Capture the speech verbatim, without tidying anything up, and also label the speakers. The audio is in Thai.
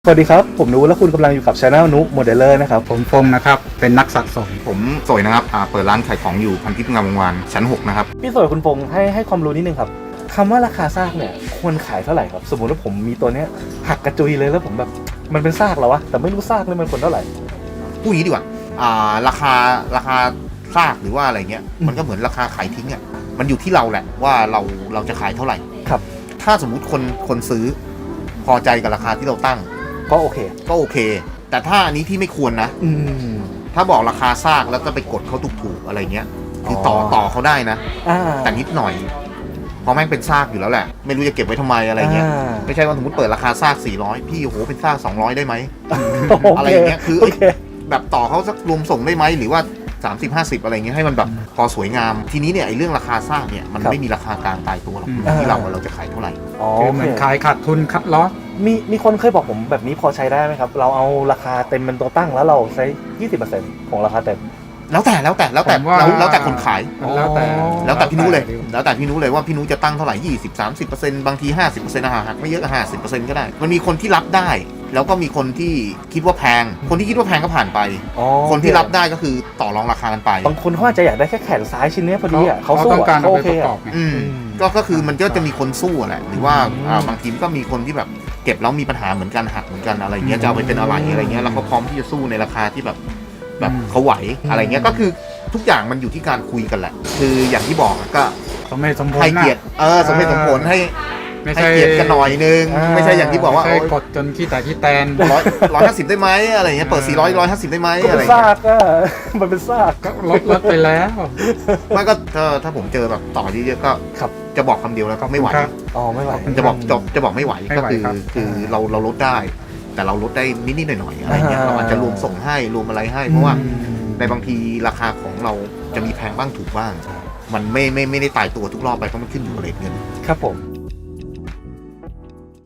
Speaker 1: สวัสดีครับผมนุและคุณกำลังอยู่กับ Channel นุโมเดลเลอร์นะครับ
Speaker 2: ผมฟงนะครับเป็นนักสะสม
Speaker 3: ผมสวยนะครับเปิดร้านขายของอยู่พันทิพย์งามวงวานชั้นหกนะครับ
Speaker 1: พี่สวยคุณพงษ์ให้ให้ความรู้นิดนึงครับคำว่าราคาซากเนี่ยควรขายเท่าไหร่ครับสมมติว่าผมมีตัวเนี้ยหักกระจุยเลยแล้วผมแบบมันเป็นซากแล้ววะแต่ไม่รู้ซากเลยมันควรเท่าไหร่
Speaker 3: พูดอย่างนี้ดีกว่าอ่าราคาราคาซากหรือว่าอะไรเงี้ยมันก็เหมือนราคาขายทิ้งอ่ะมันอยู่ที่เราแหละว่าเราเราจะขายเท่าไหร่
Speaker 1: ครับ
Speaker 3: ถ้าสมมุติคนคนซื้อพอใจกับราคาที่เราตั้ง
Speaker 1: ก็โอเค
Speaker 3: ก็โอเคแต่ถ้าอันนี้ที่ไม่ควรนะ
Speaker 1: อืม
Speaker 3: ถ้าบอกราคาซากแล้วก็ไปกดเขาถูกๆอะไรเงี้ยคือต่อต่อเขาได้นะแต่นิดหน่อยเพราะแม่งเป็นซากอยู่แล้วแหละไม่รู้จะเก็บไว้ทำไมอะไรเงี้ยไม่ใช่ว่าสมมติเปิดราคาซากสี่ร้อยพี่โอ้โหเป็นซากสองร้อยได้ไหมอะไรเงี้ยคือแบบต่อเขาสักรวมส่งได้ไหมหรือว่าสามสิบ ห้าสิบอะไรเงี้ยให้มันแบบพอสวยงามทีนี้เนี่ยไอ้เรื่องราคาซากเนี่ยมันไม่มีราคากลางตายตัวหรอกที่เราเราจะขายเท่าไหร่
Speaker 2: คือเหมือนขายขาดทุนคัดลอส
Speaker 1: มีมีคนเคยบอกผมแบบนี้พอใช้ได้ไหมครับเราเอาราคาเต็มเป็นตัวตั้งแล้วเราใช้ ยี่สิบเปอร์เซ็นต์ ของราคาเต็ม
Speaker 3: แล้วแต่แล้วแต่แล้วแต่แล้วแต่คนขาย
Speaker 2: แล้วแต่
Speaker 3: แล้วแต่พี่นุ้เลยแล้วแต่พี่นุ้เลยว่าพี่นุ้จะตั้งเท่าไหร่ยี่สิบ สามสิบเปอร์เซ็นต์บางที ห้าสิบเปอร์เซ็นต์ อาหารหักไม่เยอะ ห้าสิบเปอร์เซ็นต์ ก็ได้มันมีคนที่รับได้แล้วก็มีคนที่คิดว่าแพงคนที่คิดว่าแพงก็ผ่านไปคนที่รับได้ก็คือต่อรองราคากันไป
Speaker 1: บางคนเขาอาจจะอยากได้แค่แขนซ้ายชิ้นนี้พอดีอ่ะเขา
Speaker 2: ต้องการเอาไปประกอบ
Speaker 3: ก็ก็คือมันก็จะมีคนสู้แหละหรือว่าบางทีก็มีคนที่แบบเก็บแล้วมีปัญหาเหมือนกันหักเหมือนกันอะไรเงี้ยจะเอาไปเป็นอะไรอะไรเงี้ยแล้วเขาพร้อมที่จะสู้ในราคาที่แบบแบบเขาไหวอะไรเงี้ยก็คือทุกอย่างมันอยู่ที่การคุยกันแหละคืออย่างที่บอกก็
Speaker 2: สมเหตุสมผล
Speaker 3: ให้เกียรติเออสมเหตุสมผลให้ให้เกียรติกันหน่อยนึงไม่ใช่อย่างที่บอกว่า
Speaker 2: ไม่กดจนขี้แต่ขี้แตน
Speaker 3: ร้อยร้อยห้าสิบได้ไหมอะไรเงี้ยเปิดสี่ร้อยร้อยห้าสิบได้ไหมอะไร
Speaker 1: ซากก็มันเป็นซาก
Speaker 2: ก็ลดลดไปแล้ว
Speaker 3: ไม่ก็ถ้าถ้าผมเจอแบบต่อที่เยอะก็จะบอกคำเดียวแล้วก็ไม่ไหว
Speaker 1: อ๋อไม่ไหว
Speaker 3: จะบอกจะจะบอกไม่ไหวก็คือคือเราเราลดได้แต่เราลดได้นิดๆหน่อยๆอะไรเงี้ยเราอาจจะรวมส่งให้รวมอะไรให้เพราะว่าในบางทีราคาของเราจะมีแพงบ้างถูกบ้างมันไม่ไม่ไม่ได้ตายตัวทุกรอบไปเพราะมันขึ้นอยู่กับเรทเงิน
Speaker 1: ครับผม